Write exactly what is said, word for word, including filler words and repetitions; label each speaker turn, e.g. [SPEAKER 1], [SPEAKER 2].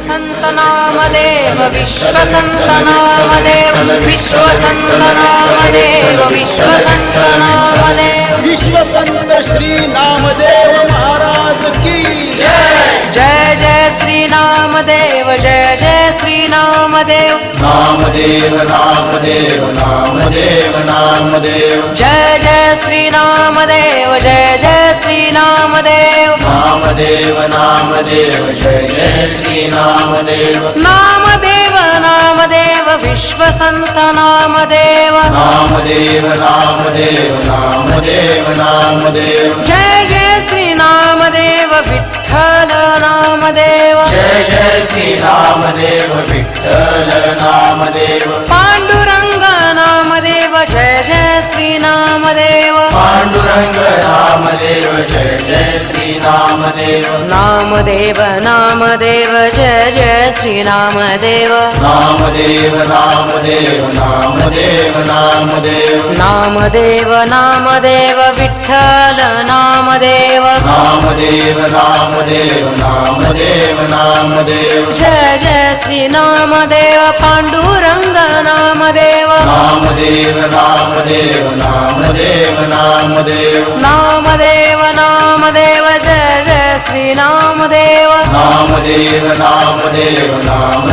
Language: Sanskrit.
[SPEAKER 1] विश्वसंत नामदेव विश्वसंत नामदेव विश्वसंत नामदेव विश्वसंत नामदेव
[SPEAKER 2] विश्वसंत श्री नामदेव महाराज की
[SPEAKER 1] जय जय जय श्री नामदेव जय जय श्री नामदेव
[SPEAKER 2] नामदेव नामदेव नामदेव नामदेव
[SPEAKER 1] जय जय श्री नामदेव जय जय श्री नामदेव
[SPEAKER 2] नामदेव नामदेव जय जय श्री नामदेव
[SPEAKER 1] नामदेव नामदेव विश्वसंत नामदेव
[SPEAKER 2] नामदेव नामदेव नामदेव नामदेव
[SPEAKER 1] जय जय श्री नामदेव विठ्ठल नामदेव
[SPEAKER 2] जय जय श्री नामदेव विठ्ठल नामदेव
[SPEAKER 1] पांडुरंग नामदेव जय जय श्री नामदेव
[SPEAKER 2] पांडुरंग नामदेव जय जय श्री नामदेव
[SPEAKER 1] नामदेव नामदेव जय जय श्री नामदेव
[SPEAKER 2] नामदेव नामदेव नामदेव नामदेव
[SPEAKER 1] नामदेव नामदेव विठ्ठल नामदेव
[SPEAKER 2] नामदेव नामदेव नामदेव नामदेव
[SPEAKER 1] जय जय श्री नामदेव पांडुरंग नामदेव
[SPEAKER 2] नामदेव नामदेव नामदेव नामदेव
[SPEAKER 1] नामदेव नामदेव जय जय श्री नामदेव
[SPEAKER 2] नामदेव नामदेव